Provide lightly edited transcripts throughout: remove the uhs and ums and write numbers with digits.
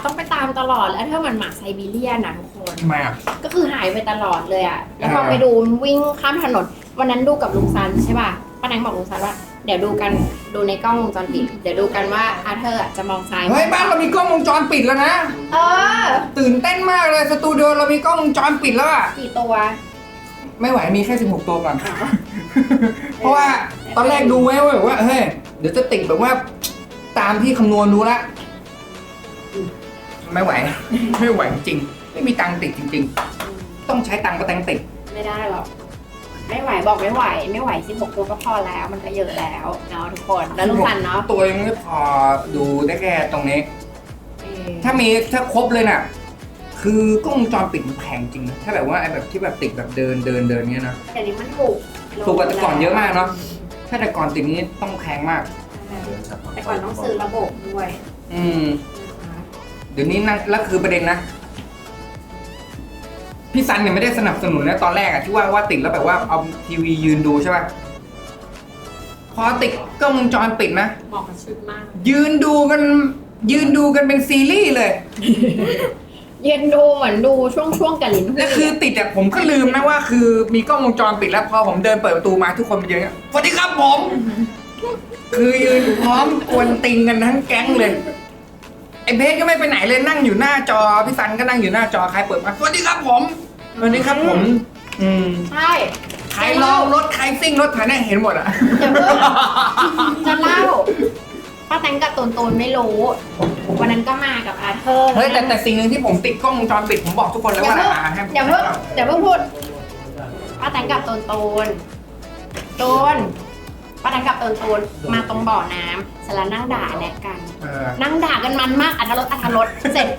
ต้องไปตามตลอดแล้วถ้ามันหมาไซบีเรียนนะทุกคนทำไมอ่ะก็คือหายไปตลอดเลยอ่ะแล้วพอไปดูวิ่งข้ามถนนวันนั้นดูกับลุงซันใช่ป่ะป้าแดงบอกลุงซันว่าเดี๋ยวดูในกล้องวงจรปิดเดี๋ยวดูกันว่าอาเธอร์จะมองซ้ายเฮ้ยบ้านเรามีกล้องวงจรปิดแล้วนะเออตื่นเต้นมากเลยสตูดิโอเรามีกล้องวงจรปิดแล้วอ่ะกี่ตัวไม่ไหวมีแค่16ตัวก่อนเพราะว่าตอนแรกดูไว้ว่าเฮ้ยเดี๋ยวจะติดแบบว่าตามที่คำนวณดูละไม่ไหว ไม่ไหวจริงไม่มีตังค์ติดจริง ๆ ต้องใช้ตังค์ประแตงติดไม่ได้หรอกไม่ไหวบอกไม่ไหว16ตัวก็พอแล้วมันก็เยอะแล้วเนาะทุกคนแล้วลุงซันเนาะตัวยังไม่พอดูได้แค่ตรงนี้ ถ้าครบเลยน่ะ คือกล้องวงจรปิดมันแพงจริงนะถ้าแบบว่าไอ้แบบที่แบบติดแบบเดินเงี้ยนะแต่นี้มันถูกถูกกว่าแต่ก่อนเยอะมากเนาะถ้าแต่ก่อนติดนี้ต้องแพงมากแต่ก่อนต้องซื้อระบบด้วยเดี๋ยวนี้นั่งแล้วคือประเด็นนะพี่ซันเนี่ยไม่ได้สนับสนุนนะตอนแรกอะที่ว่าติดแล้วแบบว่าเอาทีวียืนดูใช่ป่ะพอติดกล้องวงจรปิดนะเหมาะกับชุดมากยืนดูกันเป็นซีรีส์เลยยืนดูเหมือนดูช่วงกับลิ้นแล้วคือติดอะผมก็ลืมนะว่าคือมีกล้องวงจรปิดแล้วพอผมเดินเปิดประตูมาทุกคนมาเยอะสวัสดีครับผม คือยืนพร้อมกวนติงกันทั้งแก๊งเลยไอ้เบสก็ไม่ไปไหนเลยนั่งอยู่หน้าจอพี่ซันก็นั่งอยู่หน้าจอใครเปิดมาสวัสดีครับผมสวัสดีครับผมใช่ใครลองรถใครซิ่งรถถ่ายเนี่ยเห็นหมดอะจะเล่าป้าแตงกับตูนไม่รู้วันนั้นก็มากับอาเธอร์เฮ้ยแต่สิ่งหนึ่งที่ผมติดกล้องวงจรปิดผมบอกทุกคนแล้วว่าอย่าเพิ่งพูดป้าแตงกับตูนป้าแตงกับตูนมาตรงบ่อน้ำเสร็จแล้วนั่งด่าแนกกันนั่งด่ากันมันมากอัธรสเสร็จ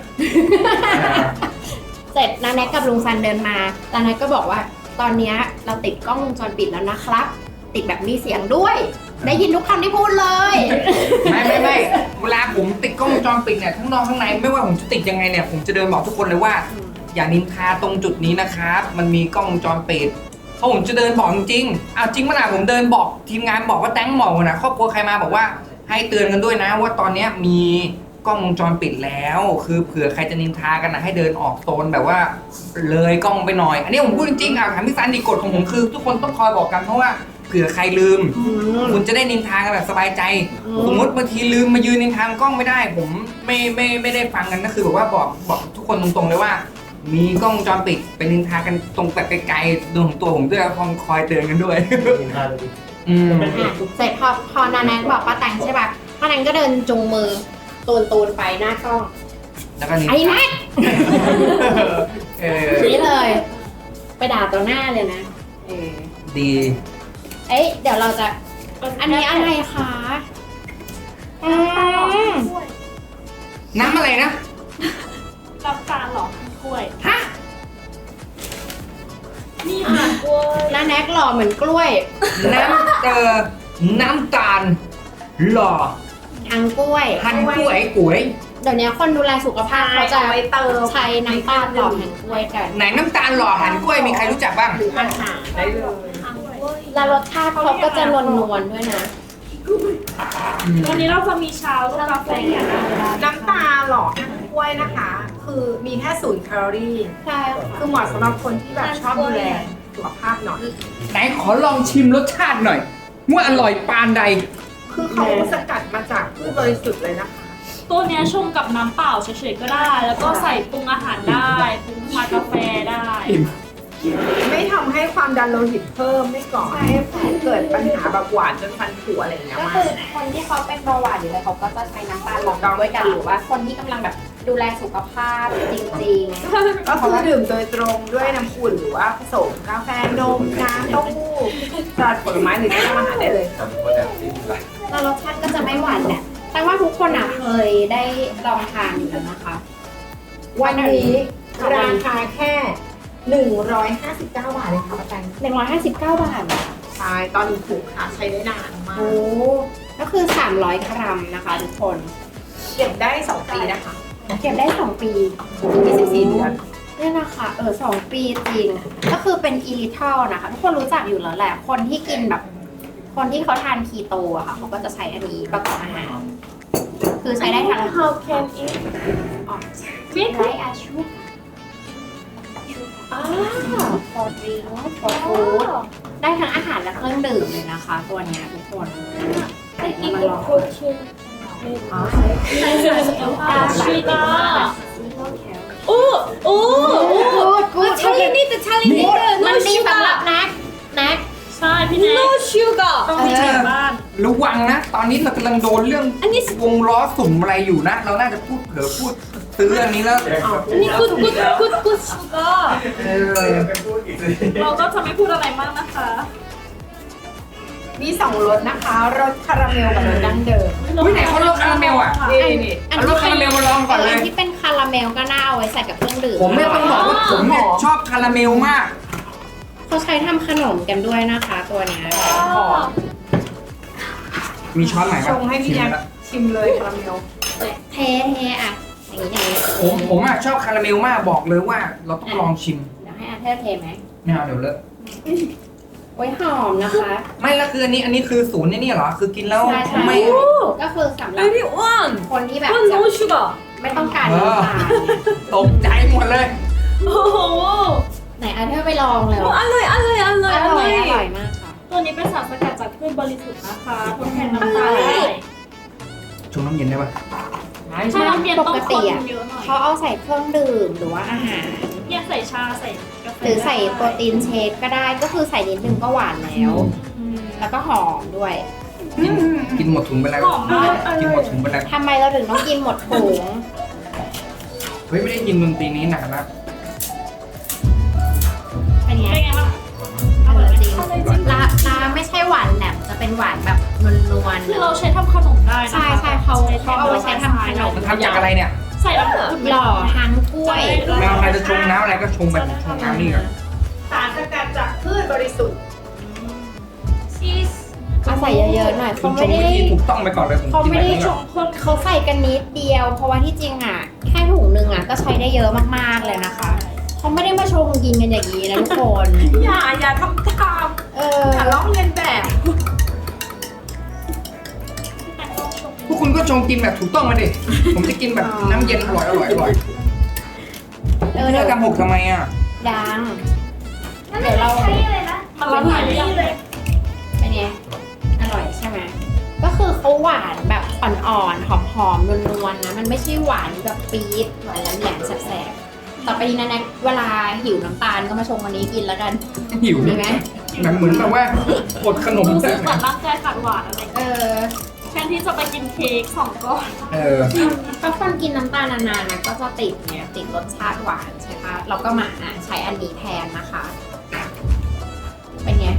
นาแนกกับลุงซันเดินมานาแนกก็บอกว่าตอนนี้เราติดกล้องวงจรปิดแล้วนะครับ ติดแบบมีเสียงด้วยได้ยินทุกคำที่พูดเลยไม่เวลาผมติดกล้องวงจรปิดเนี่ยทั้งนอกทั้งในไม่ว่าผมจะติดยังไงเนี่ยผมจะเดินบอกทุกคนเลยว่าอย่านินทาตรงจุดนี้นะครับมันมีกล้องวงจรปิดเพราะผมจะเดินบอกจริงๆเอาจริงมั้ยนะผมเดินบอกทีมงานบอกว่าแตงหมอกนะครอบครัวใครมาบอกว่าให้เตือนกันด้วยนะว่าตอนนี้มีกล้องวงจรปิดแล้วคือเผื่อใครจะนินทากันนะให้เดินออกโซนแบบว่าเลยกล้องไปหน่อยอันนี้ผมพูดจริงๆถามพี่ซันดีกฎของผมคือทุกคนต้องคอยบอกกันเพราะว่าเผื่อใครลืมคุณจะได้นินทากันแบบสบายใจสมมติบางทีลืมมายืนนินทากล้องไม่ได้ผมไม่ได้ฟังกันก็คือแบบว่าบอกทุกคนตรงๆเลยว่ามีกล้องวงจรปิดไปนินทากันตรงแบบไกลๆดวงตัวผมด้วยคอยเตือนกันด้วยเสร็จพอนาแนนบอกป้าแตงใช่ป่ะป้าแตงก็เดินจูงมือตูนไปหน้ากล้องแล้วก็นี่ไอ้แม็กนี่เลยไปด่าตัวหน้าเลยนะดีเดี๋ยวเราจะอันนี้อะไรคะน้ำอะไรนะน้ำตาลหรอกล้วยฮะนี่ค่ะกล้วยน้าแน็กหล่อเหมือนกล้วยน้ำตาลหล่อหั่นกล้วย เดี๋ยวนี้คนดูแลสุขภาพเขาจะใช้น้ำตาลหล่อหั่นกล้วยกันไหนน้ำตาลหล่อหั่นกล้วยมีใครรู้จักบ้างหรืออาหารได้เลยแล้วรสชาติเขาก็จะนวลๆด้วยนะวันนี้เราจะมีชาลูกกาแฟน้ำตาลหล่อหั่นกล้วยนะคะ คือมีแค่0 แคลอรี่ใช่คือเหมาะสำหรับคนที่แบบชอบดูแลสุขภาพหน่อยไหนขอลองชิมรสชาติหน่อยว่าอร่อยปานใดคือเขาสกัดมาจากพืชบริสุทธิ์เลยนะคะตัวนี้ชงกับน้ำเปล่าเฉยๆก็ได้ แล้วก็ใส่ปรุงอาหารได้ปรุงชากาแฟได้ไม่ทำให้ความดันโลหิตเพิ่มไม่ก่อให้เกิดปัญหาแบบหวานจนฟันผุอะไรอย่างเงี้ยก็คือคนที่เขาเป็นเบาหวานอยู่แล้วเขาก็จะใช้น้ำตาลหล่อด้วยกันหรือว่าคนที่กำลังแบบดูแลสุขภาพจริงๆก็คือดื่มโดยตรงด้วยน้ำอุ่นหรือว่าผสมกาแฟนมน้ำเต้าหู้สลัดผลไม้หรือน้ำอาหารได้เลยแล้วรสชาติก็จะไม่หวานแหละแต่ว่าทุกคนเคยได้ลองทานอยู่แล้วนะคะวันนี้ราคาแค่159 บาทเลยค่ะป้าแตง 159 บาทใช่ตอนนี้ถูกค่ะใช้ได้นานมากโอ้ก็คือ300 กรัมนะคะทุกคนเก็บได้2 ปีนะคะเก็บได้2 ปี 24 เดือนนี่นะคะ2 ปีจริงก็คือเป็นอีลิทัลนะคะทุกคนรู้จักอยู่แล้วแหละคนที่กินแบบคนที่เขาทานคีโตอะค่ะเขาก็จะใช้อันนี้ประกอบอาหารคือใช้ได้ทั้ง How can it มิกไรอาชุบ for drink for food ได้ทั้งอาหารและเครื่องดื่มเลยนะคะ ตัวเนี้ยทุกคนมาลองชีตาโอ้โอ้กูดชาลีนี่แต่ชาลีนี่มันดีสำหรับแน็กใช่พี่แน็ก no sugar ต้องมีในบ้านระวังนะ ตอนนี้เรากำลังโดนเรื่องอันนี้วงล้อสุ่มอะไรอยู่นะ เราน่าจะพูดเผลอพูดซื้ออันนี้แล้วอันนี้ good sugar เออเราก็จะไม่พูดอะไรมากนะคะมี2รสนะคะรสคาราเมลกับรสดั้งเดิมอุ้ยไหนเขาลดคาราเมลอ่ะนี่เอารสคาราเมลมาลองก่อนเลยที่เป็นคาราเมลก็น่าเอาไว้ใส่กับเครื่องดื่มผมเนี่ยต้องบอกว่าผมเนี่ยชอบคาราเมลมากเขาใช้ทำขนมกันด้วยนะคะ ตัวเนี้ยมีช้อนไหนชงให้พี่แน็กชิมเลยคาราเมลเทอ่ะอย่างนี้ผมอ่ะชอบคาราเมลมากบอกเลยว่าเราต้องลองชิมเดี๋ยวให้อาเธอร์เทไหมไม่เอาเดี๋ยวเลอะโอ้ยหอมนะคะ ไม่แล้วคืออันนี้คือศูนย์นี่เหรอคือกินแล้วใช่ใช่ไม่ก็คือสำหรับ very one คนที่แบบ one no sugar ไม่ต้องการน้ำตาลตกใจหมดเลยโอ้โหไหนอาเธอร์ไปลองเลยอร่อยอร่อยอร่อยอร่อยมากค่ะตัวนี้เป็นสารสกัดจากพืชบริสุทธิ์นะคะทดแทนน้ำตาลได้ชงน้ำเย็นได้ปะถ้าน้ำเย็นต้องคนเยอะหน่อยเขาเอาใส่เครื่องดื่มหรือว่าอาหารเนี่ยใส่ชาใส่กาแฟหรือใส่โปรตีนเชคก็ได้ก็คือใส่นิดนึงก็หวานแล้ว แล้วก็หอมด้วยกินหมดถุงไปแล้วหอมมากกินหมดถุงไปแล้วทำไมเราถึงต้องกินหมดถุงเฮ้ยไม่ได้ยินดนตรีนี้นานแล้วเป็นไงเป็นไงบ้างอร่อยจริงลาไม่ใช่หวานแหลมจะเป็นหวานแบบนวลคือเราใช้ทำขนมได้นะคะใช่ใช่เขาเอาไว้ใช้ทำขนมมันทำจากอะไรเนี่ยใส่น้ำอุ่นหล่อหางกล้วยแมวใครจะชงน้ำอะไรก็ชงแบบชงน้ำนี่ก่อนสารสกัดจากพืชบริสุทธิ์ชีสเอาใส่เยอะๆหน่อยคุเขาณชไม่งได้วิธีถูกต้องไปก่อนเลยผมเขากินไม่แบบได้นี้ชก่อนงคนเขาใส่กันนิดเดียว เพราะว่าที่จริงอ่ะแค่ถุงนึงอ่ะก็ใช้ได้เยอะมากๆเลยนะคะเขาไม่ได้มาชงกินกันอย่างนี้นะทุกคนอย่าทำตามเอออย่าลอกเลียนแบบพวกคุณก็ชงกินแบบถูกต้องมาดิผมจะกินแบบน้ำเย็นอร่อยเลิกกันหกทำไมอ่ะดังเดี๋ยวเรามันละลายเลยเป็นไงอร่อยใช่ไหมก็คือเขาหวานแบบอ่อนๆหอมๆนวลๆนะมันไม่ใช่หวานแบบปี๊ดหวานแหลมๆแสบๆต่อไปนี้นะแน็กเวลาหิวน้ำตาลก็มาชงวันนี้กินแล้วกันหิวดีไหมแบบเหมือนแบบว่าอดขนมรู้ใช่สึกไหเหมมือนร่างกายขาดหวานอะไรเออแทนที่จะไปกินเค้ก2 ก้อนเออถ้าคนกินน้ำตาลนานๆนะก็จะติดเนี่ยติดรสชาติหวานใช่ปะเราก็มาใช้อันนี้แทนนะคะ เป็นไง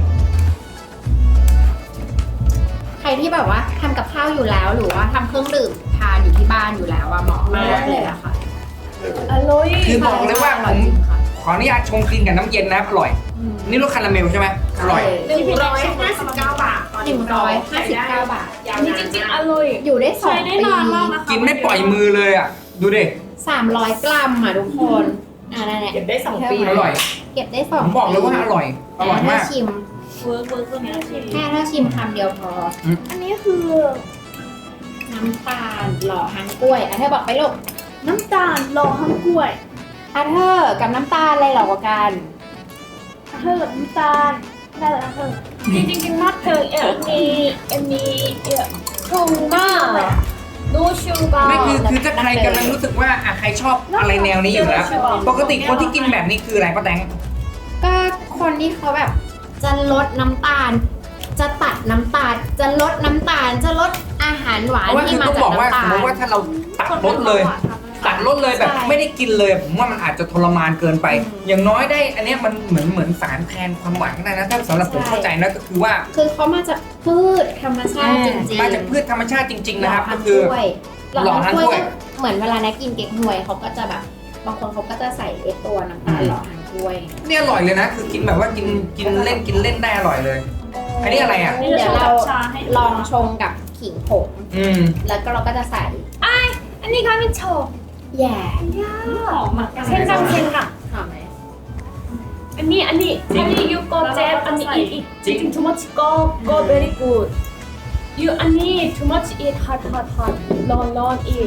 ใครที่แบบว่าทำกับข้าวอยู่แล้วหรือว่าทำเครื่องดื่มทานอยู่ที่บ้านอยู่แล้วอะเหมาะมากเลยอะค่ะอร่อยคือบอกเลยว่าอผร่อยมจริงค่ะขออนุญาตชงกินกับน้ำเย็นนะอร่อย นี่รสคาราเมลใช่ไหมอร่อย 159 บาทตอนนี้ 159 บาทอันนี้จริงๆอร่อยอยู่ได้2 ใช้ได้ปีนานมากนะคะกินไม่ปล่อยมือเลยอ่ะ ดูดิ 300 กรัมอ่ะทุกคนนั่นแหละเก็บได้2 ปีอร่อยเก็บได้ผ 2 มบอกเลยว่าอร่อย อร่อยมากชิมเวิร์กตัวนี้ชิมแค่ถ้าชิมคำเดียวพออันนี้คือน้ำตาลหล่อหางกล้วยเธอบอกไปลูกน้ำตาลรอข้างกล้วยเธอกับน้ำตาลอะไรหล่อกว่ากันเธอกับน้ำตาลได้แล้วเธอจริงๆมากเธอมีถูกมากดูชูการ์ไม่คือถ้าใครกำลังรู้สึกว่าใครชอบอะไรแนวนี้อยู่แล้ว ปกติคนที่กินแบบนี้คืออะไรป้าแตงก็คนที่เขาแบบจะลดน้ำตาล จะตัดน้ำตาล จะลดน้ำตาล จะลดอาหารหวาเพนราะว่าคืที่อมาต้องจากบอกว่าน้ำสตาม ลมติว่าถ้าเราตัดลดเลย ตัดลดเลยแบบใช่ไม่ได้กินเลยผมว่ามันอาจจะทรมานเกินไป อย่างน้อยได้ อันเนี้ยมันเหมือนสารแทนความหวานก็ได้นะถ้าสำหรับผมเข้าใจนะก็คือว่าคือเขามาจากพืชธรรมชาติจริงๆมาจากพืชธรรมชาติจริง ๆ นะครับหล่ก็คือหล่อหล่อทาทาง งกกล้ล้ววย ยก็เหมือนเวลานะกินเก๊กฮวยเขาก็จะแบบบางคนเขาก็จะใส่ไอ้ตัวน้ำตาลหล่อทางกล้วยเนี่ยอร่อยเลยนะ คือกินแบบว่ากินเล่นได้อร่อยเลย อันนี้อะไรอ่ะนี่จะเดี๋ยวชงเรากับชาให้ลองชงกับขิงผงอืมแล้วก็เราก็จะใส่อันนี้ค่ะมิโชะแย่หอมมากเส้นกังหอมไหมอันนี้ยูโกเจฟอันนี้อีกจริง too much go very good you อันนี้ too much eat hotร้อน eat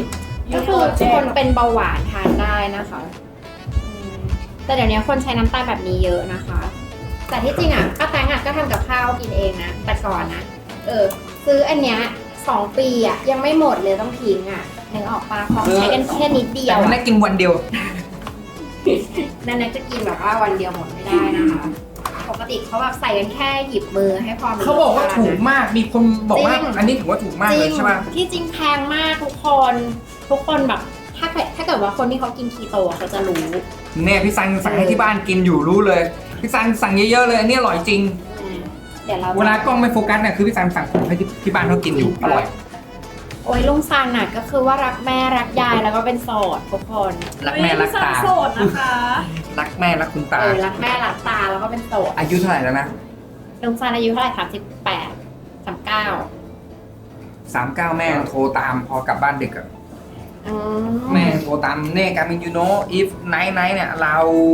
ก็คือคนเป็นเบาหวานทานได้นะคะแต่เดี๋ยวนี้คนใช้น้ำตาลแบบนี้เยอะนะคะ แต่ที่จริงอ่ะป้าแตงอ่ะก็ทำกับข้าวกินเองนะแต่ก่อนนะซื้ออันเนี้ย2 ปีอ่ะยังไม่หมดเลยต้องทิ้งอ่ะนึกออกปะของใช้กันแค่นิดเดียแต่วมันอะได้กินวันเดียวนั่นนะจะกินแบบว่าวันเดียวหมดไม่ได้นะคะปกติเขาแบบใส่กันแค่หยิบมือให้พอมันเขาบอกว่าถูกมากมีคนบอกว่าอันนี้ถือว่าถูกมากจเลริยงใช่ป่ะที่จริงแพงมากทุกคนแบบถ้าเกิดว่าคนที่เขากินคีโตเขาจะรู้เนี่ยพี่ซันสั่งให้ที่บ้านกินอยู่รู้เลยพี่ซันสั่งเยอะๆเลยอันนี้อร่อยจริงเดี๋ยวเราเวลากล้องไม่โฟกัสเนี่ยคือพี่ซันสั่งของให้ที่บ้านเขากินอยู่อร่อยโอ้ยลุงซันน่ะก็คือว่ารักแม่รักยายแล้วก็เป็นโสดทุกคนรักแม่รักตาโสดนะคะรักแม่รักคุณตารักแม่รักตาแล้วก็เป็นโสดอายุเท่าไหร่แล้วนะลุงซันอายุเท่าไหร่38 39 39แม่โทรตามพอกลับบ้านดึกอะอืมแม่โทรตามเน่การมินยูโน if night เนี่ยเรา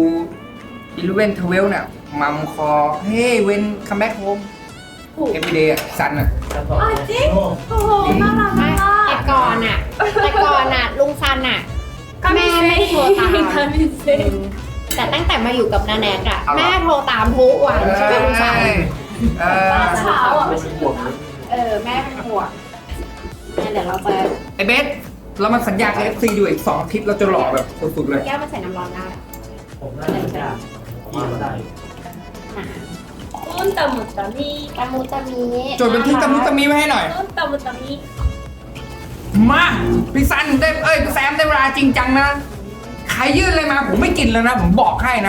11 12เนี่ยมัมคอ hey when come back home every day อะซันอะจริงโอ้โหน่ารักไม่มากแต่ก่อนน่ะลุงซันน่ะแม่ไม่โทรตามแต่ตั้งแต่มาอยู่กับนาแนกอะแม่โทรตามทุกวันใช่ไหมลุงซันบ้านเช้าอ่ะแม่เป็นห่วงงั้นเดี๋ยวเราจะไอเบสเรามาสัญญากับ FC อยู่อีก2 อาทิตย์เราจะหล่อแบบสุดๆเลยแก้วมาใส่น้ำร้อนได้ผมน่าจะได้กินได้ต้นตะมุตะมีตะมูจะมีจดบันทึกตะมุตะมีไว้ให้หน่อยต้นตะมุตะมีมาพี่ซันได้พี่แซมได้เวลาจริงจังนะ ใครยื่นอะไรมาผมไม่กินแล้วนะ ผมบอกให้นะ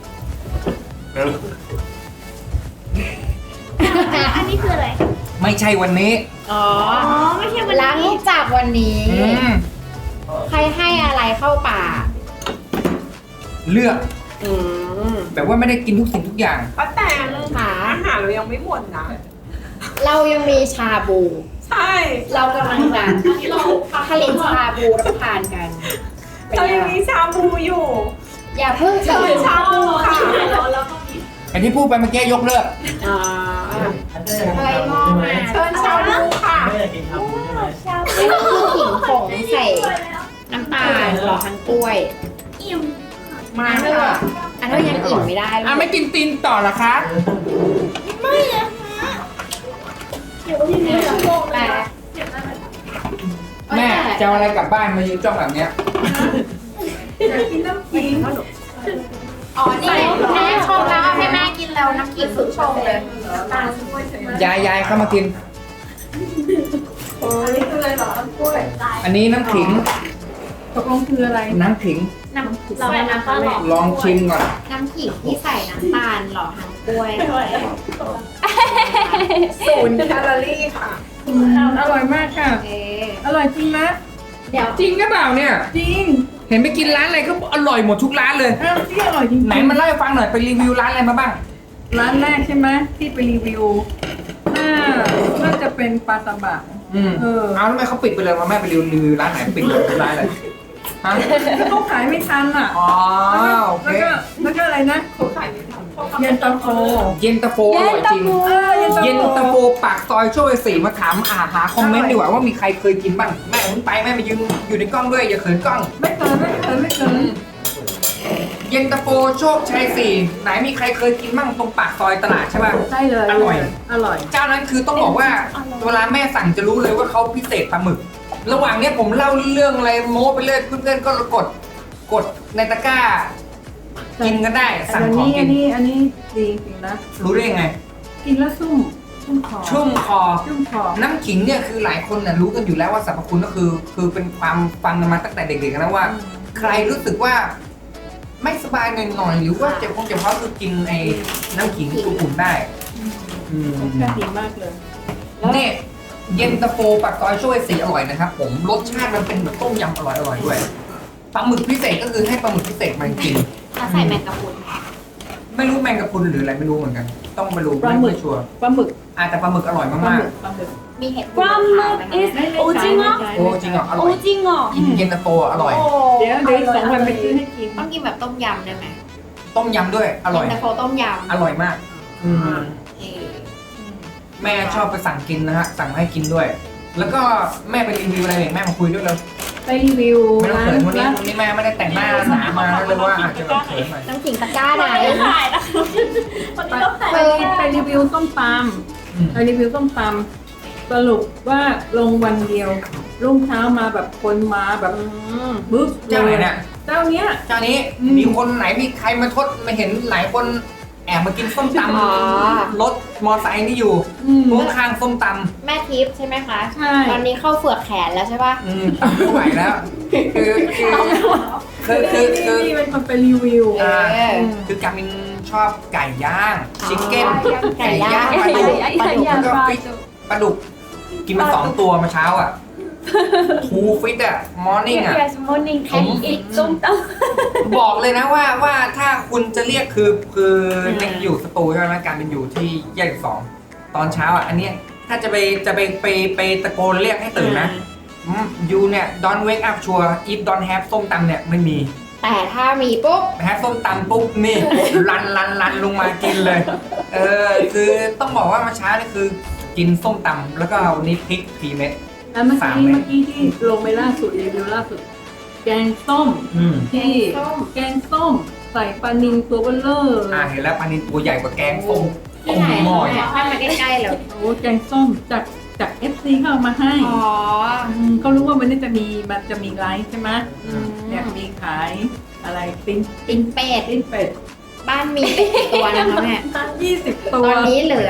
อันนี้คืออะไรไม่ใช่วันนี้อ๋ออ๋อไม่ใช่วันหลังนี้จากวันนี้อืมใครให้อะไรเข้าป่ากเลือกอืมแบบว่าไม่ได้กินทุกสิ่งทุกอย่างป้าแตงค่ะอาหารเรายังไม่หมดนะเรายังมีชาบูใช่เรากำลังจะผลิตชาบูรับประทานกันเป็นเราไงยังล่ะมีชาบูอยู่อย่าเพิ่งเชิญชาบูค่ะไอที่พูดไปเมื่อกี้ยกเลิกอ๋ออะไรมองมาเชิญชาบูค่ะไม่ได้กินชาบูใช่ไหมนี่ก็คือขิงผงใส่น้ำตาลหล่อทั้งกล้วยอิ่มมาอันเถเธออะอันเธอยังอิ่มไม่ได้เลยไม่กินตีนต่อเหรอคะเดี๋ยวที่นี่จะโกงแต่แม่จะเอาอะไรกลับบ้านมายืนจ้องแบบเนี้ยอยากกินน้ำขิงอ๋อนี่แม่ชงแล้วเอาให้แม่กินแล้วน้ำขิงสุดชงเลยยายเข้ามากินอันนี้คืออะไรเหรอน้ำกล้วยอันนี้น้ำขิงตกลงคืออะไรน้ำขิงน้ำเราน้ำตาลหล่อลองชิมก่อนน้ำขิงที่ใส่น้ำตาลหล่อทั้งกล้วย 0 แคลอรี่ค่ะอร่อยมากค่ะโอเคอร่อยจริงนะเดี๋ยวจริงหรือเปล่าเนี่ยจริงเห็นไปกินร้านอะไรก็อร่อยหมดทุกร้านเลยอ้าวที่อร่อยจริงๆไหนมาเล่าให้ฟังหน่อยไปรีวิวร้านอะไรมาบ้างร้านแรกใช่ไหมที่ไปรีวิวน่าจะเป็นปลาซาบะเอาแล้วทำไมเขาปิดไปเลยมาแม่ไปรีวิวร้านไหนปิดเลยทุกร้านเลยฮะเขาขายไม่ทันอ่ะอ๋อโอเคแล้วก็อะไรนะเขาขายไม่ทันเย็นตาโฟเย็นตาโฟอร่อยจริง เย็นตาโฟปากซอยโชย4มาถามหาคอมเมนต์ดีกว่าว่ามีใครเคยกินบ้างแม่ผมไปแม่มายืนอยู่ในกล้องด้วยอย่าเขินกล้องไม่เกินเย็นตาโฟโชคชัย4ไหนมีใครเคยกินบ้างตรงปากซอยตลาดใช่ป่ะได้เลยอร่อยอร่อยเจ้านั้นคือต้องบอกว่าเวลาแม่สั่งจะรู้เลยว่าเขาพิเศษปลาหมึก ระหว่างเนี้ยผมเล่าเรื่องอะไรโม้ไปเรื่อยเพื่อนๆก็กดในตะกร้า กินกันได้สั่งของกินอันนี้ดีจริงนะรู้ได้ยังไงกินแล้วชุ่มคอชุ่มคอชุ่มคอน้ำขิงเนี่ยคือหลายคนน่ะรู้กันอยู่แล้วว่าสรรพคุณก็คือเป็นความฟังกันมาตั้งแต่เด็กๆนะว่า ใครรู้สึกว่าไม่สบายหน่อยๆหรือว่าเจ็บเพราะคือกินไอ้น้ำขิงอุ่นๆได้รสชาติดีมากเลยเนี่ยเย็นตาโฟปากซอยช่วยสีอร่อยนะครับผมรสชาติมันเป็นแบบต้มยำอร่อยๆด้วยปลาหมึกพิเศษก็คือให้ปลาหมึกพิเศษมาจริงแล้วใส่แมงกะพรุนไม่รู้แมงกะพรุนหรืออะไรไม่รู้เหมือนกัน ต้องไปรู้ปลาหมึกไม่ชัวร์ปลาหมึกแต่ปลาหมึกอร่อยมากมีเห็ดปลาหมึก is โอจิงเหรอๆโอ้จริงเหรออร่โออยจิงเหรอกินเย็นตาโฟอร่อยเดี๋ยวอีก2 วันไปซื้อให้กินต้องกินแบบต้มยำได้ไหมต้มยำด้วยอร่อยเย็นตาโฟต้มยำอร่อยมากอืมเออแม่ชอบไปสั่งกินนะฮะสั่งมาให้กินด้วย แล้วก็แม่ไปรีวิวอะไรเนี่ยแม่มาคุยด้วยเลยไปรีวิวไม่ต้องร้าเขินนวันนี้แม่ไม่ได้แต่งหน้าหนามาเลยว่าอาจจะแบบเขินหน่อยน้ำขิงตะกร้าไหนถ่ายนะคะวันนี้ต้องถ่ายไปรีวิวส้มตอืมำไปรีวิวส้มตำสรุปว่าลงวันเดียวรุ่งเช้ามาแบบคนมาแบบบึ๊บเจ้าไหนเนี่ยเจ้าเนี้ยเจ้านี้มีคนไหนมีใครมาทดมาเห็นหลายคนแอบมากินส้มตอ๋อำรถมอไซค์นี่อยู่อืมข้างข้างส้มตแม่ทิพย์ใช่ไหมคะใช่ตอนนี้เข้าเฟือกแขนแล้วใช่ปะำตำไม่ไหวแล้ว คือนี่เป็นคนไปรีวิวเออคือการมินชอบไก่ย่างชิคเก้นไก่ย่างปลาดุกปลาดุกแล้วก็ฟิตปลาดุกกินมา2 ตัวมาเช้าอ่ะทูฟิตอ่ะมอร์นิ่งอ่ะ yes morning ผม and eat ส้มตำบอกเลยนะว่าถ้าคุณจะเรียกคือในอยู่สตูใช่ไหมการเป็นอยู่ที่แยก2ตอนเช้าอ่ะอันเนี้ยถ้าจะไปตะโกนเรียกให้ตื่นนะยูเนี่ย don't wake up sure if don't have ส้มตำเนี่ยไม่มีแต่ถ้ามีปุ๊บแฮปส้มตำปุ๊บนี่ รันลงมากินเลย คือต้องบอกว่าเมื่อเช้านี่คือกินส้มตำแล้วก็วันนี้พริก4 เม็ดแล้วเมื่อ 3 เม็ดกี้ที่ลงไปล่าสุดรีวิวล่าสุด แกงส้ม ที่แกงส้มใส่ปลานิลตัวเบลเลอร์เห็นแล้วปลานิลตัวใหญ่กว่าแกงส้มที่ไหนหม้อแม่ให้มาใกล้ๆเลยโอ้แกงส้มจาก FC เขาเอามาให้อ๋อก็รู้ว่ามันจะมีไลฟ์ใช่ไหมอืมเนี่ยมีขายอะไรปิ้งตินเป็ดปิ้งเป็ดบ้านมีเป็ดกี่ตัวนะคะแม่ 20 ตัตวอนนี้เหลือ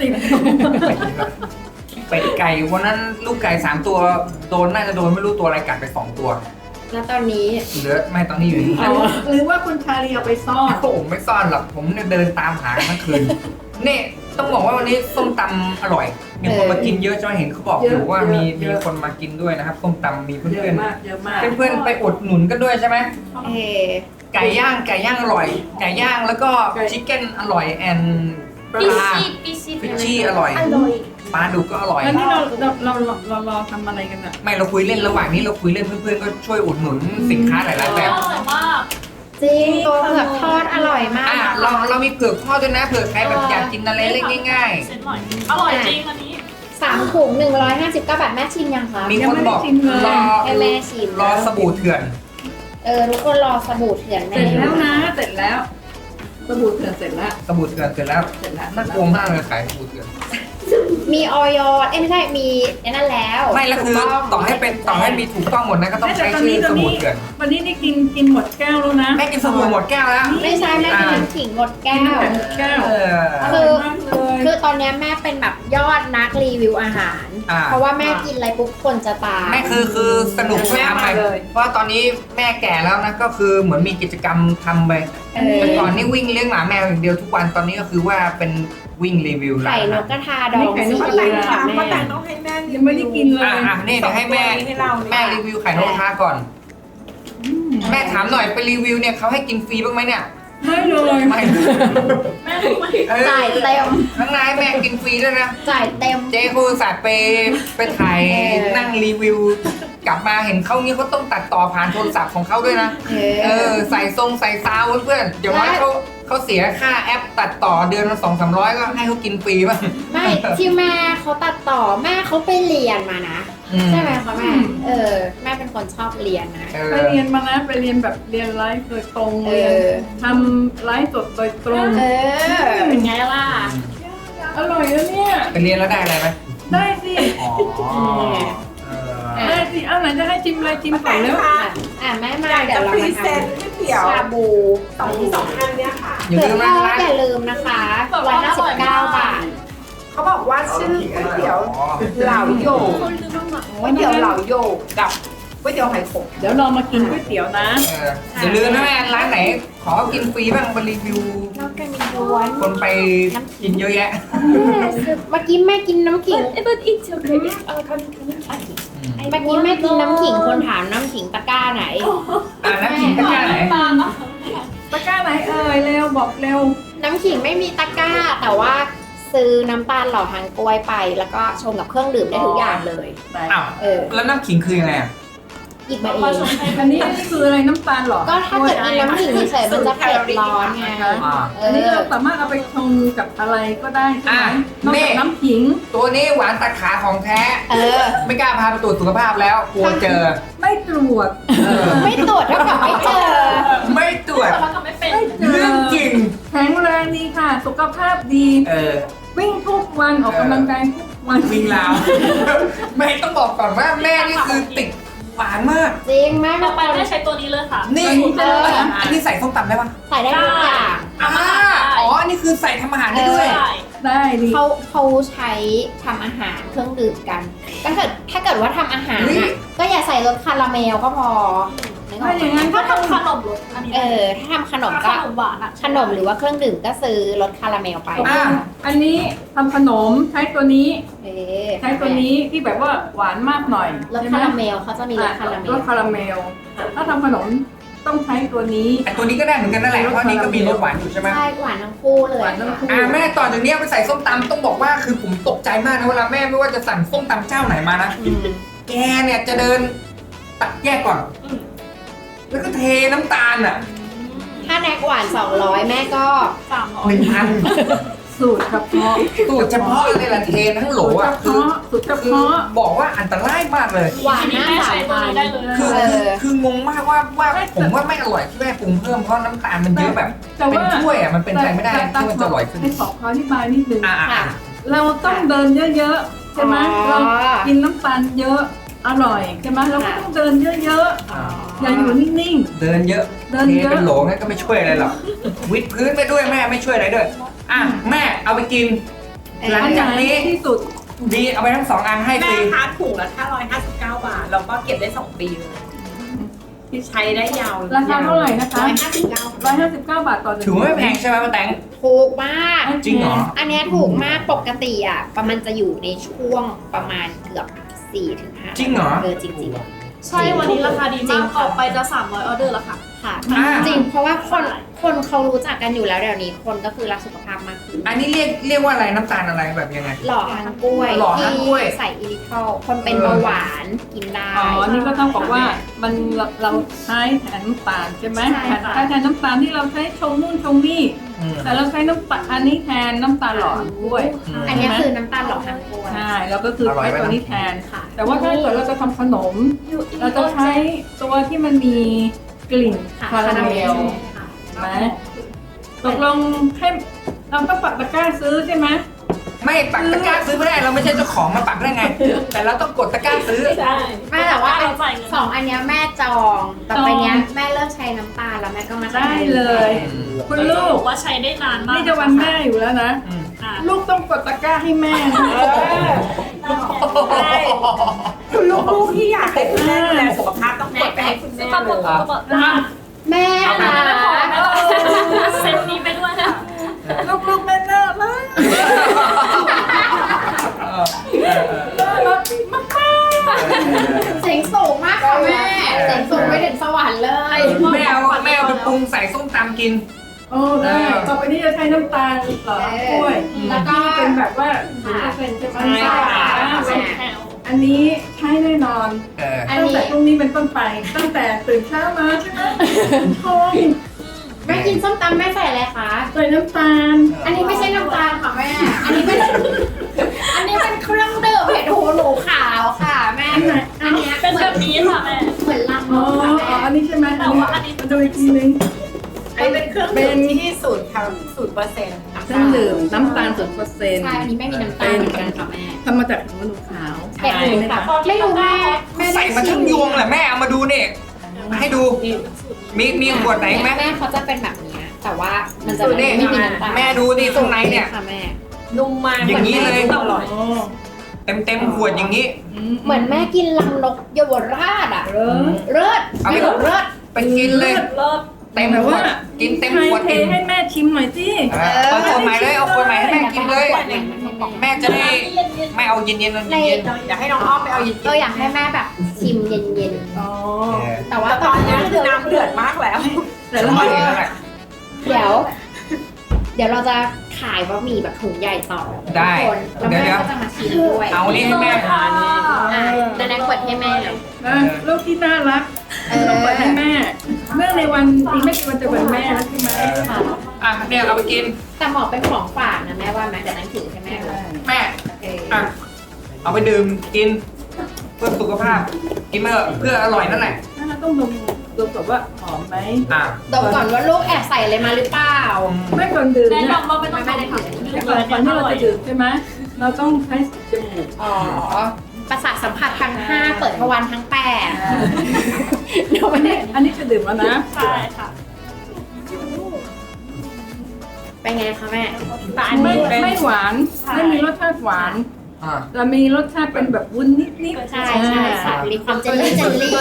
เป็ดไก่วันนั้นลูกไก่3 ตัวน่าจะโดนไม่รู้ตัวอะไรกัดไป2 ตัวแล้วตอนนี้เหลือไม่ตอนนี้อยู่นี่หรือว่าคุณชาลีเอาไปซ่อนผมไม่ซ่อนหรอกผมเนี่ยเดินตามหาทั้งคืนนี่ต้องบอกว่าวันนี้ส้มตำอร่อยมีคนมากินเยอะใช่ไหมเห็นเขาบอกอยู่ว่ามีคนมากินด้วยนะครับส้มตำมีเยเพื่อะอนมากเยอะมากๆเพื่อนๆไปอุดหนุนกันด้วยใช่ไหมเออไก่ย่างอร่อยไก่ย่างแล้วก็ชิคเก้นอร่อยแอนปปิลาชิปิชิฟิชชี่อร่อยอร่อยปลาดุกก็อร่อยแล้วนี่เรารอทำอะไรกันอ่ะไม่เราคุยเล่นระหว่างนี้เราคุยเล่นเพื่อนๆก็ช่วยอุดหนุนสินค้าหลายๆแบบอร่อยมากจริงตัวเผือกทอดอร่อยมากเรามีเผือกทอดด้วยนะเผื่อใครแบบอยากกินอะไรเล็กง่ายเส้นอร่อยอร่อยจริงอันนี้ 3 ถุง159 บาทแม่ชิมยังคะๆมีคนบอกรอให้แม่ชิมรอสบู่เถื่อนทุกคนรอสบู่เถื่อนเสร็จแล้วนะเสร็จแล้วสบู่เถื่อนเสร็จแล้วสบู่เถื่อนเสร็จแล้วเสร็จแล้วน่ากลัวมากเลยขายสบู่เถื่อนมีออยไม่ใช่มีนั่นแล้วไม่แล้วคือต่อให้มีถูกต้องหมดนะก็ต้องใช้ชื่อสบู่เถื่อนวันนี้นี่กินหมดแก้วแล้วนะแม่กินสบู่หมดแก้วแล้วไม่ใช่แม่กินน้ำขิงหมดแก้วหมดแก้วเอออร่อยมากเลยคือตอนเนี้ยแม่เป็นแบบยอดนักรีวิวอาหาร เพราะว่าแม่กินอะไรปุ๊บคนจะตามแม่คือสนุกช่วยทำไปเพราะตอนนี้แม่แก่แล้วนะก็คือเหมือนมีกิจกรรมทำไป แต่ก่อนนี่วิ่งเลี้ยงหมาแมวอย่างเดียวทุกวันตอนนี้ก็คือว่าเป็นวิ่งรีวิวร้าไข่นนกกระทาดองซีป้าอิ๊แต่วงค่ะค่ะแม่ป้าแต่งต้องให้แม่ยังไม่ได้กินเลยนี่เดี๋ยวให้แม่ให้เราแม่รีวิวไข่นกกระทาก่อน แม่ถามหน่อยไปรีวิวเนี่ยเขาให้กินฟรีบ้างไหมเนี่ยไม่เลยไม่แม่รู้ไหมจ่ายเต็มข้างในแม่กินฟรีด้วยนะจ่ายเต็มเจ๊คูสัตว์ไปถ่าย นั่งรีวิว กลับมาเห็นเขางี้เขาต้องตัดต่อผ่านโทรศัพท์ของเขาด้วยนะ ใส่ทรงใส่ซาวเพื่อนๆเดี๋ยวว่าเขาเสียค่าแอปตัดต่อเดือนละ200-300ก็ให้เขากินฟรีบ้างไม่ที่แม่เขาตัดต่อแม่เขาไปเรียนมานะ ใช่ไหมคะแม่แม่เป็นคนชอบเรียนนะไปเรียนมานะไปเรียนแบบเรียนไลฟ์โดยตรงเรียนทำไลฟ์สดโดยตรงเป็นไงล่ะอร่อยแล้วเนี่ยไปเรียนแล้วได้อะไรไหมได้สิอ๋อได้สิเอาไหนจะให้ชิมอะไรชิมก่อนแล้วแม่มาอยากเดี๋ยจะวเราพรีมาเซทนต์ก๋วยเตี๋ยวำชาบูสองอันเนี่ยค่ะอย่าเผืลือกมทนะอดร้านอย่าลืมนะคะ159 บาทเขาบอกว่าชื่อก๋วยเตี๋ยวเหล่าโยกก๋วยเตี๋ยวเหล่าโยกกับก๋วยเตี๋ยวไหขมเดี๋ยวเรามากินก๋วยเตี๋ยวนะอย่าลืมนะแม่ร้านไหน ขอกินฟรีบ้างไปรีวิวน้ำกันมีล้วนคนไปกินเยอะแยะเมื่อกี้แม่กินน้ำขิง but it's okay เมื่อกี้แม่กินน้ำขิงคนถามน้ำขิงตะกร้าไหนน้ำขิงตะกร้าไหนตะกร้าไหนเอ่ยเร็วบอกเร็วน้ำขิงไม่มีตะกร้า แต่ว่าซื้อน้ำตาลหล่อหางกล้วยไป แล้วก็ชงกับเครื่องดื่มได้ทุกอย่างเลยไหนอ้าวแล้วน้ำขิงคือยังไงอ่ะหยิบมาเอมาง ชมให้อันนี้คืออะไรน้ำตาลเหรอก็ถ้าเกิดกินน้ำขิงเฉยๆมันจะเผ็ดร้อนไงอ่าอันนี้เราสามารถเอาไปชงกับอะไรก็ได้ใช่ไหมนอกจากน้ำขิงตัวนี้หวานตัดขาของแท้เออไม่กล้าพาไปตรวจสุขภาพแล้วกลัวเจอไม่ตรวจไม่ตรวจเท่ากับไม่เจอไม่ตรวจเราทำไม่เป็นไม่เจเรื่องจริงแข็งแรงดีค่ะ สุขภาพดี วิ่งทุกวันออกกำลังกายทุกวันวิ่งราว แม่ต้องบอกก่อนว่าแม่นี่คือติดหวานมากจริงแม่ต่มาอไปแม่ใช้ตัวนี้เลยค่ะนี่ อันนี้ใส่ส้มตำได้ปะใส่ได้ทุกอย่างอ๋อ อันนี้คือใส่ทำอาหารได้ด้วยใช่ได้ดีเขาใช้ทำอาหารเครื่องดื่มกันก็ถ้าเกิดว่าทำอาหารเฮ้อ่ะยก็อย่าใส่รสคาราเมลก็พอนึกออกถ้าอย่างนั้นถ้าทำขนมรสอันนี้ถ้าทำขนมขก็นมหวานอะขนมหรือว่าเครื่องดื่มก็ซื้อรสคาราเมลไปอ่าอันนี้ทำขนมใช้ตัวนี้เออใช้ตัวนี้ที่แบบว่าหวานมากหน่อยรสใช่ไหคาม ราเมลเขาจะมีรสคาราเมรลสคาราเมล ถ้าทำขนมต้องใช้ตัวนี้ไอตัวนี้ก็ได้เหมือนกันนั่นแหละ เพราะอันนี้ก็มีรสหวานอยู่ใช่ไหมใช่หวานทั้งคู่เลยหวานทั้งคู่แม่ต่อจากนี้เอาไปใส่ส้มตำต้องบอกว่าคือผมตกใจมากนะเวลาแม่ไม่ว่าจะสั่งส้มตำเจ้าไหนมานะอืมแกเนี่ยจะเดินตักแยกก่อน แล้วก็เทน้ำตาลอ่ะถ้าแน็กหวาน 200 แม่ก็ 1,000 สูตรเฉพาะสูตรเฉพาะเลยล่ะเททั้งโหลอ่ะสูตรเฉคือพาะบอกว่าอันตรายมากเลยหวานหน้าแม่สาใช้ยตัวพันนี้ได้ธุ์เลยคืองงมากว่าผมว่าไม่อร่อยที่แม่ปรุงเพิ่มเพราะน้ำตาลมันเยอะแบบแต่เป็นว่าถ้วยอ่ะมันเป็นไปไม่ได้ที่มันจะอร่อยขึ้นให้ขออธิบายนิดนึงอ่าเราต้องเดินเยอะๆใช่ไหมอ๋อเรากินน้ำตาลเยอะอร่อยใช่ไหมเราก็ต้องเดินเยอะๆอย่าอยู่นิ่งเดินเยอะเดินเทเยอะเป็นโหลงั้นก็ไม่ช่วยอะไรหรอกวิดพื้นไปด้วยแม่ไม่ช่วยอะไรด้วยอ่ะแม่เอาไปกิน หลังอันไหจากนนี้ที่สุดดีเอาไปทั้ง2 อันให้ฟแม่รีคะถุงละ559 บาท เราก็เก็บได้ 2 ปีเลยที่ใช้ได้ยาวราคาเท่าไหร่นะคะ 159 159 บาทต่อถือว่าไม่แพงใช่ไหมป้าแตงถูกมากจริงเหรออันเนี้ยถูกมากปกติอ่ะประมาณจะอยู่ในช่วงประมาณเกือบ4-5 จริงเหรอจริงใช่วันนี้ราคาดีมากออกไปจะ300ออเดอร์แล้วค่ะๆค่ะอ่าจริงเพราะว่าคนเขารู้จักกันอยู่แล้วเดี๋ยวนี้คนก็คือรักสุขภาพมากขึ้นอันนี้เรียกว่าอะไรน้ำตาลอะไรแบบยังไงหล่อหางกล้วยหล่อหางกล้วยที่ใส่อิลิทอลคนเป็นเบาหวานกินได้อ๋อ นี่ก็ต้องบอกว่ามันเราใช้แทนน้ำตาลใช่ไหมใช่ค่ะแทนน้ำตาลที่เราใช้ชงนู่นชงนี่อืมแต่เราใช้น้ำตาลอันนี้แทนน้ำตาลหล่อด้วยอันเนี้ยคือน้ำตาลหล่อหางกล้วยใช่แล้วก็คืออร่อยใช้ไหมตัวนี้แทนค่ะแต่ว่าถ้าเกิดเราจะทำขนม เราจะใช้ตัวที่มันมีกลิ่นค่ะคาราเมลค่ะไหมตกลงให้เราต้องปักตะกร้าซื้อใช่ไหมไม่ปักตะกร้าซื้อไม่ได้เราไม่ใช่เจ้าของมาปักได้ไง แต่เราต้องกดตะกร้าซื้อใช่ไม่แต่ว่าเราจ่ายเงินสองอันเนี้ยแม่จองต่อไปเนี้ยแม่เลิกใช้น้ำตาลแล้วแม่ก็มาใช้ได้เลย คุณลูบอก กว่าใช้ได้นานมากนี่จะวันแม่อยู่แล้วนะอ่ะลูกต้องกดตะกร้าให้แม่นะคุณลูกๆที่อยากให้คุณแม่ดูแลสุขภาพต้องกดไปให้คุณแม่ก็เลบอกยก็บอกอ่ะแม่เอาค่ะไม่พอเซ็ตนี้ไปด้วยนะลูกๆแม่น่ารักน่ารักมากเสียงสูงมากค่ะแม่เสียงสูงไปถึงสวรรค์เลยแม่เอาไปปรุงใส่ส้มตำกินๆโอ้ได้ต่อไปนี้จะใช้น้ำตาลเหรอกล้วยแล้วก็ที่เป็นแบบว่า0%ใช่ไหมใช่ค่ะอันนี้ใช้แน่นอนอันตั้งนี้แต่พรุ่งนี้เป็นต้นไป ตั้งแต่ตื่นเช้ามาใช่ไหมทองแม่กินส้มตำแม่ใส่อะไรคะใส่น้ำตาลอันนี้ไม่ใช่น้ำตาลค่ะแม่ อันนี้เป็นอันนี้เป็นเครื่องดื่มเห็ดหูหนูขาวค่ะแม่อันไหนอันเนี้ยเป็นเหมืแบอนบนี้ค่ะแม่เหมือนลังนอ๋อกค่ะแม่อันนี้ใช่ไหมแต่ว่าอันนี้มันจะอีกทีนึงอันนี้เป็นเครื่องดื่มที่0%ค่ะเครื่องดื่มน้ำตาล0% ใช่อันนี้ไม่มีน้ำตาลเหมือนกันค่ะแม่ทำมาจากหัวหนูขาวเห็ดหูขาวไม่รู้แม่แม่ใส่มาทั้งยวงแหละแม่เอามาดูเนี่ยให้ดูมีขวดไหนไหมแม่เขาจะเป็นแบบเนี้ยแต่ว่ามันจะดูไม่ดิมีน้ำตาลแม่ดูดิข้างในเนี่ยค่ะแม่นุ่มมากอย่างนี้เลยอร่อยอ๋อเต็มขวดอย่างนี้เหมือนแม่กินลังนกเยาวราชอ่ะเออเลิศเอาไปเลิศไปกินเลยเลิศเต็มขวดกินเต็มขวดเทกินให้แม่ชิมหน่อยสิเปิดขวดใหม่เลยเอาขวดใหม่ให้แม่กินเลย แม่จะได้เย็นไม่เอาเย็นๆในเย็นอยากให้น้องอ้อมไปเอาเย็นอยากให้แม่แบบชิมเย็นอ๋อๆๆแต่ว่าแต่ตอนนี้คือน้ำเดือดมากแล้วแต่ละไม่คนเห็นแล้วแหละเดี๋ยวเราจะขายบะหมี่แบบถุงใหญ่ต่อได้ทุกคนแล้วเดี๋ยวแม่ก็จะมาชิมด้วยเอานี่ให้แม่อ่ะแล้วแนกเปิดให้แม่เลยนะลูกที่น่ารักต้องเปิดให้แม่เนื่องในวันอีกไม่กี่วันจะวันแม่แล้วใช่ไหมอ่ะเนี่ยเอาไปกินแต่หมอเป็นของฝากนะแม่ว่าไหมเดี๋ยวนั้นถือให้แม่เลยแม่เอออ่ะเอาไปดื่มกิน เพื่อสุขภาพ กินเพื่ออร่อยนั่นแหละน่าต้องดมแบบว่าหอมไหมอ่ะดมก่อนว่าลูกแอบใส่อะไรมาหรือเปล่าไม่ก่อนดื่มแนะเนี่ยนำว่าไม่ต้องไม่ได้ค่ะก่อนที่เราจะดื่มใช่ไหมเราต้องใช้จมูกอ๋อ ประสาทสัมผัสทั้ง 5 เปิดทวารทั้ง 8เดี๋ยวไม่ได้อันนี้จะดื่มแล้วนะใช่ค่ะเป็นไงคะแม่แต่อันไม่นี้เป็นไม่หวานไม่มีรสชาติหวานอ่ะเรามีรสชาติเป็นแบบวุ้นนิดๆใช่ใช่ค่ะมีความเจลลี่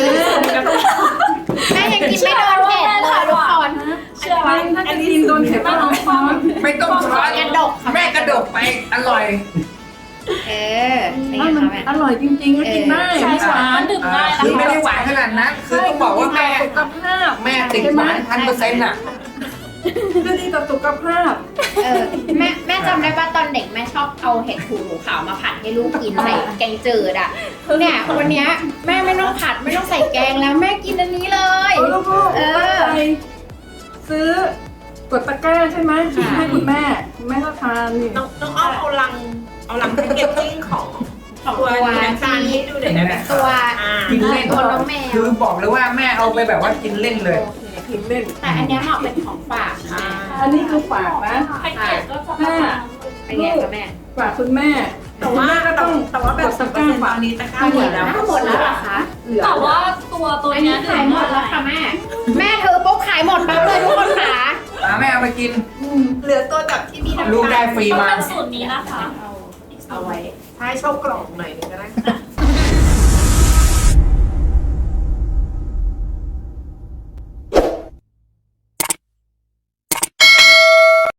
แม่ยังกินไม่โดนเผ็ดเลยทุกคนเชื่อไหมถ้าจะกินโดนเผ็ดต้องเอาช้อนไม่ต้องช้อนกระดกค่ะแม่กระดกไป อร่อยเออเป็นไงมันคะแม่อร่อยจริงๆก็กินได้ใช่ไม่หค่ะวานมันดื่มได้นะคือคะไม่ได้หวานขนาดนั้น คือต้องบอกว่าแม่สุขภาพแม่ติดหวาน1,000%น่ะก็ดีต่อสุขภาพเออแม่จำได้ว่าตอนเด็กแม่ชอบเอาเห็ดหูหนูขาวมาผัดให้ลูกกินใส่แกงจืดอ่ะเนี่ยวันเนี้ยแม่ไม่ต้องผัดไม่ต้องใส่แกงแล้วแม่กินอันนี้เลยลูกเออไปซื้อกดตะกร้าใช่ไหมค่ะให้คุณแม่ก็ทานนี่น้องอ้อมเอาลังแพ็กเกจจิ้งของของตัวตัวน้ำตาลให้ดูหน่อยได้ไหมตัวกินเล่นตัวน้องแมวคือบอกเลยว่าแม่เอาไปแบบว่ากินเล่นเลยกินเล่นแต่อันเนี้ยเหมาะเป็นของฝากนะอันนี้คือฝากนะแพ็กเกจก็จะประมาณเป็นไงคะแม่ฝากคุณแม่แต่ว่าก็ต้องแบบ10%ตอนนี้ตะกร้าหมดแล้วหมดแล้วเหรอคะเหลือแต่ว่าตัวอันเนี้นี้ยขายหมดแล้วค่ะแม่แม่เธอปุ๊บขายหมดปั๊บเลยทุกคนค่ะแม่เอาไปกินเหลือตัวแบบที่มีน้ำตาลลูกได้ฟรีต้องมาเป็นสูตรนี้นะคะเอาไว้ใช้โชว์กล่องหน่อยหนึงก็ได้